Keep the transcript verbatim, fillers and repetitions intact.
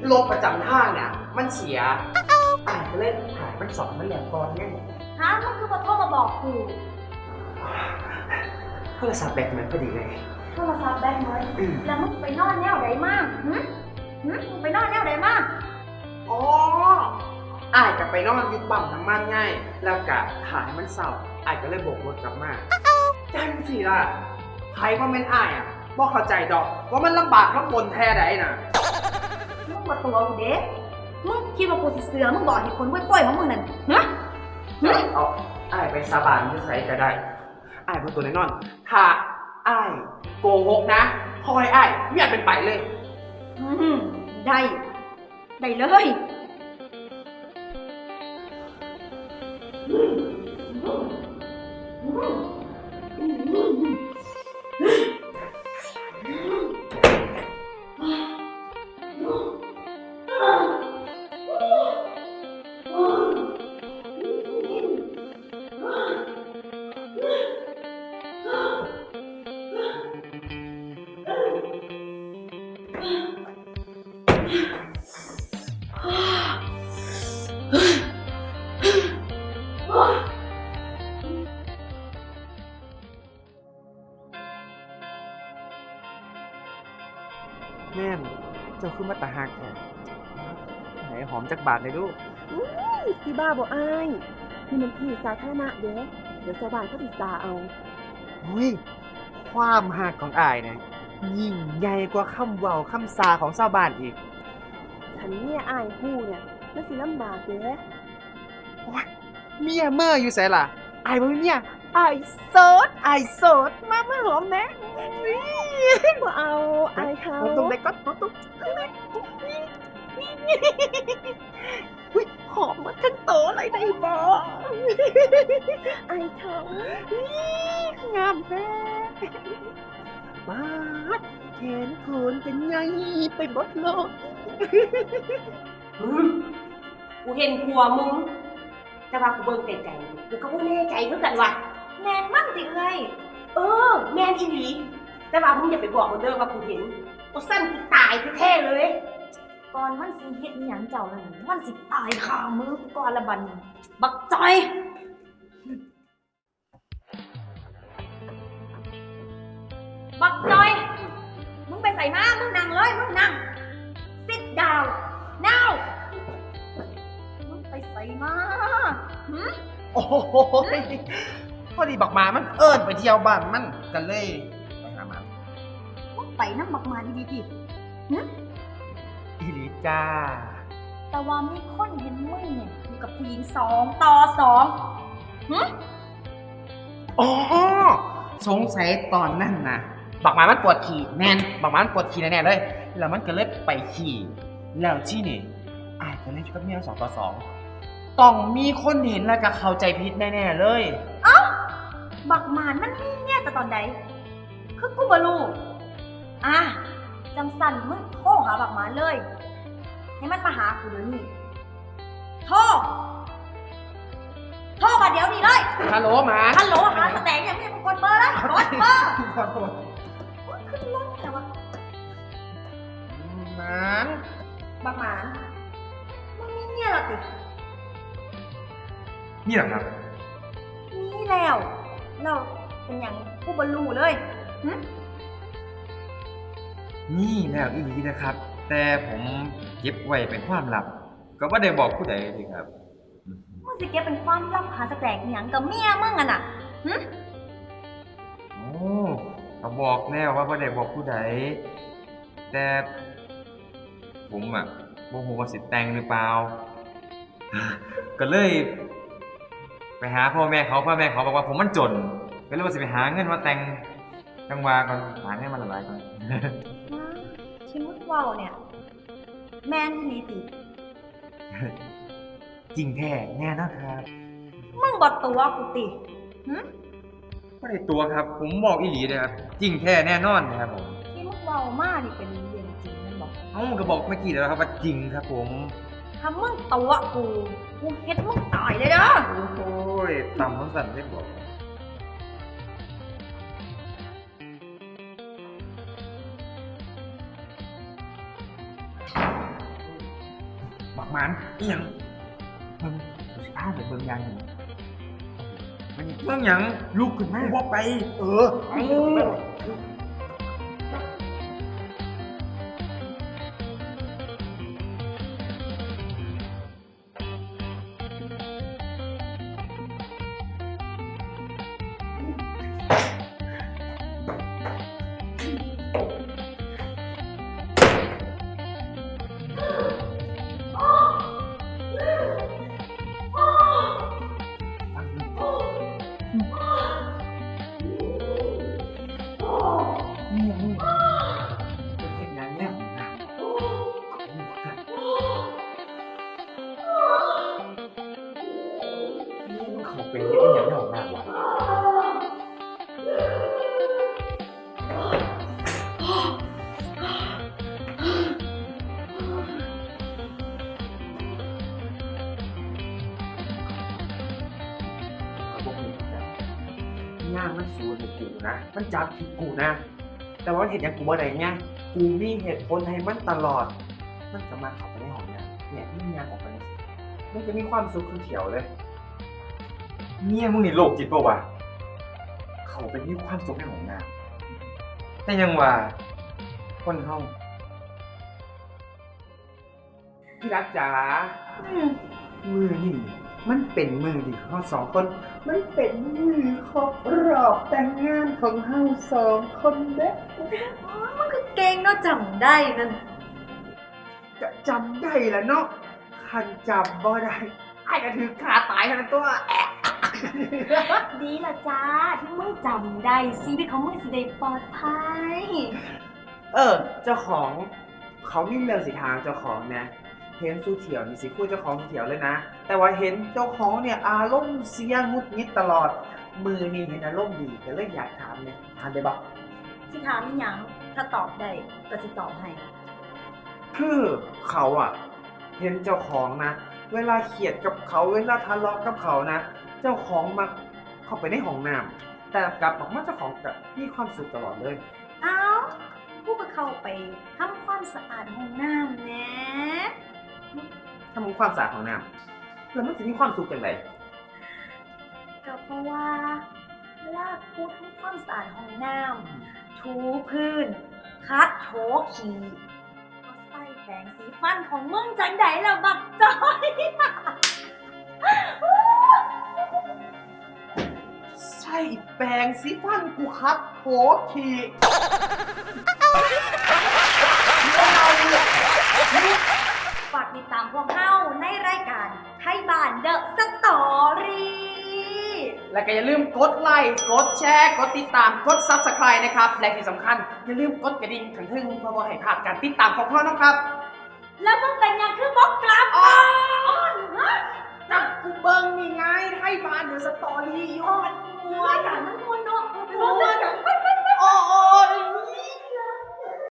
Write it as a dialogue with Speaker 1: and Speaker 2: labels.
Speaker 1: รถประจำทางเนี่ยมันเสียอ่านก็เล่นถ่ายมันสอนมันแหลมก่อนไง
Speaker 2: ฮะมันคือมาโทรมาบอกกู
Speaker 1: โทรศัพท์แบตมันพอดีเลย
Speaker 2: โทรศัพท์แบตหมด
Speaker 1: อืม
Speaker 2: แล้วมึงไปนอนแนวไหนมากหึหึมึงไปนอนแนวไหนมาก
Speaker 1: อ๋ออ้ายกลับไปนอนอยึดปั๊มน้ำมันง่ายแล้วกะถ่ายมันเศร้าอ้ายก็เลยโบกรถกลับมาจังสิล่ะใครว่าเป็นอ้ายอ่ะบ่เข้าใจดอกว่ามันลำบากลำบนแท้ใดน่ะ
Speaker 2: มึงมาตัวกูเด้มึงคิดว่ากูสิเสือมึงบอกเหตุผลกล้วยๆของมึงนั่นฮะหึ
Speaker 1: เอาอ้ายไปสาบานที่ใส่ก็ได้อ้ายเป็นตัวแน่นอนถ้าอ้ายโกหกนะคอยอ้ายไม่อยากเป็นไปเลย
Speaker 2: อืมได้ ได้เลย
Speaker 1: แม่นเจ้าคือมาตาหักแท้ไหนหอมจากบาทเลยลูก
Speaker 3: อุ้ยสิบ้าบ่อายนี่มันที่สาธารณะเด้เดี๋ยวชาวบ้านเขาติดตาเอา
Speaker 1: อุ้ยความหักของอายเนี่ยยิ่งใหญ่กว่าคำเว้าคำซาของชาวบ้านอีก
Speaker 3: ฉันเนี่ยอายฮู้เนี่ยมันสิลำบากเด้
Speaker 1: โอ๊ยเมียเมื่ออยู่ไสล่ะอายบ่มีเมียอายโสดอายโสดมามาหอมแหน่
Speaker 3: บ่เอาอายเขา
Speaker 1: หอมตรงไหนก็หอมตรงไหนอุ้ยหอมมาทั้งโตเลยได้บ่
Speaker 3: อายเขา
Speaker 1: งามแท้ปาดแขนโขนเป็นไงไปหมดโลก
Speaker 4: อืมกูเห็นผัวมึง แต่ว่ากูเบิ่งไกลๆกูก็บ่แน่ใจคือกันว่ะ
Speaker 2: แมนมั่งติเลย
Speaker 4: เออ แม่นอีหลีแต่ว่ามึงอย่าไปบอกมันเด้อว่ากูเห็นกูสั้นกูตายแท้ๆเลย
Speaker 2: ก่อนมันสิเฮ็ดอิหยังเจ้านั่นมันสิตายคามือกูก่อนละบัดนี้บักจอย บักจอย มึงไปใส่มามึงนั่งเลย มึงนั่ง sit down now มึงไปใส่มาหึ
Speaker 1: โอ้โหพอดีบักหมามันเอิ้นไปเที่ยวบ้านมันกันเลยไปหามัน
Speaker 2: มึงไปน้ำบักมาดีๆดิหึ
Speaker 1: อีหลีจ้า
Speaker 2: แต่ว่ามีคนเห็นมึงเนี่ยอยู่กับผู้หญิงสองต่อสองหึ
Speaker 1: อ๋อสงสัยตอนนั้นนะบักหมามันปวดขี่แน่นบักหมามันปวดขี่แน่ๆเลย แล้วมันก็เลยไปขี่ แล้วที่นี่อายก็เลยกับเมียสองต่อสองต้องมีคนเห็นแล้วก็เข้าใจผิดแน่ๆเลย
Speaker 2: บักหมานมันมีเนี่ยแต่ตอนใดคือกูบ่รู้อ่ะจังสันมึงโทรหาบักหมานเลย ให้มันมาหากูเดี๋ยวนี้โทรโทรมาเดี๋ยวนี้เลย
Speaker 1: ฮัลโหลหมา
Speaker 2: ฮัลโหลหาสแตงยังไม่ได้กูกดเบอร์เลยกดเบอร์
Speaker 1: ขอโทษ
Speaker 2: โอ๊ยขึ้นรถแต่ว่า
Speaker 1: หมา
Speaker 2: บักหมานมึงมีเนี่ยเหรอติ
Speaker 1: นี่เหรอครับ
Speaker 2: มีแล้วเราเป็นอย่างกูบ่รู้เลยหึ
Speaker 5: นี่แล้วอีหลีนะครับ แต่ผมเก็บไว้เป็นความลับ ก็บ่ได้บอกผู้ใดเลยครับ
Speaker 2: มึงสิเก็บเป็นความลับหาสแตกอหย่างกับเมียมึงอ่ะน่ะหึ
Speaker 5: โอ้ก็บอกแน่ว่าบ่ได้บอกผู้ใดแต่ผมอ่ะบ่ฮู้ว่าสิแต่งหรือเปล่า ก็เลย ไปหาพ่อแม่เขาพ่อแม่เขาบอกว่าผมมันจน ก็เลยว่าสิไปหาเงินมาแต่งจังหวะก่อนหาเงินมาหลายๆก่อน
Speaker 2: ที่มึงเว้าเนี่ย แม่นอีหลีติ
Speaker 5: จริงแท้แน่นอนครับ
Speaker 2: มึงบอกตัวกูติหึ
Speaker 5: บ่ได้ตัวครับ ผมบอกอีหลีเลยครับจริงแท้แน่นอนนะครับผม
Speaker 2: ที่มึงเว้ามานี่เป็นเรื่องจริงแม่นบอก
Speaker 5: เอ้าก็บอกเมื่อกี้แล้วครับว่าจริงครับผม
Speaker 2: ถ้ามึงตัวกู กูเฮ็ดมึงตายเลยเด้อ
Speaker 5: โอ้ยต่ำมันสั่นได้บอก
Speaker 1: บักหมันอีหยังเบิ่งกูสิพาไปเบิ่งอย่างหนึ่งมันนี่
Speaker 5: เรื่องหยัง
Speaker 1: ลุกขึ้นมา
Speaker 5: กูบ่ไป
Speaker 1: เออ
Speaker 5: เอ้า
Speaker 1: นี่ยังมึงเป็นเห็นอย่างเนี้ยนะนี่มึงเขาเป็นเห็นอย่างเนี้ยของนางวะเขาบอกมึงจับย่างมันสูนกูนะ มันจับผิดกูนะ แต่ว่ามันเห็นอย่างกูบ่ได้ไงกูมีเหตุผลให้มันตลอด มันจะมาเข้าไปในห้องน้ำเนี่ยมันยางออกไปนี่มันจะมีความสุขคือเขียวเลยเนี่ยมึงนี่โรคจิตปะวะ เขาเป็นมีความสุขในห้องน้ำแต่ยังว่าคนเฮาพี่รักจ๋า
Speaker 2: อืม
Speaker 1: มือนี่มันเป็นมือที่เขาสองคน มันเป็นมือครบรอบแต่งงานของเฮาสองคนเด้อ
Speaker 2: อ๋อมันก็เก่งเนาะจำได้นั่น
Speaker 1: จะจำได้ละเนาะคันจำบ่ได้ไอ้ก็ถือขาตายขนาดตัวแอะ
Speaker 2: ดีละจ้าที่มึงจำได้ชีวิตของมึงสิได้ปลอดภัย
Speaker 1: เออ เจ้าของเขามีเรื่องสิทางเจ้าของนะเห็นสู้เถียวนี่สิคู่เจ้าของสู้เถียวเลยนะ แต่ว่าเห็นเจ้าของเนี่ยอารมณ์เสียงุดงิดตลอด มือนี่เห็นอารมณ์ดีก็เลยอยากถามเนี่ยถามได้ปะ
Speaker 2: สิถามอีหยังถ้าตอบได้ก็สิตอบให้
Speaker 1: คือเขาอะเห็นเจ้าของนะ เวลาเขียดกับเขาเวลาทะเลาะกับเขานะ เจ้าของมาเข้าไปในห้องน้ำแต่กลับบอกว่าเจ้าของกับมีความสุขตลอดเลย
Speaker 2: เอ้าผู้ก็เข้าไปทำความสะอาดห้องน้ำแหนะ
Speaker 1: ทำความสะอาดห้องน้ำแล้วมันจะมีความสุขอย่างไร
Speaker 2: ก็เพราะว่าเวลากูทำความสะอาดห้องน้ำถูพื้น คัดโถขี่ก็ใส่แปรงสีฟันของมึงจังไดล่ะบักจอย
Speaker 1: ใช่แปรงสีฟันกูครับโถขีด
Speaker 2: ฝากติดตามพวกเฮาในรายการไทยบ้านเดอะสตอรี่
Speaker 1: และก็อย่าลืมกดไลค์กดแชร์กดติดตามกด ซับสไครบ์ นะครับและที่สำคัญอย่าลืมกดกระดิ่งขังทึ่งเพื่อบ่ให้พลาดการติดตามของพ่อนะครับ
Speaker 2: แล้วมึงเป็นหยังคือบอกกล่าว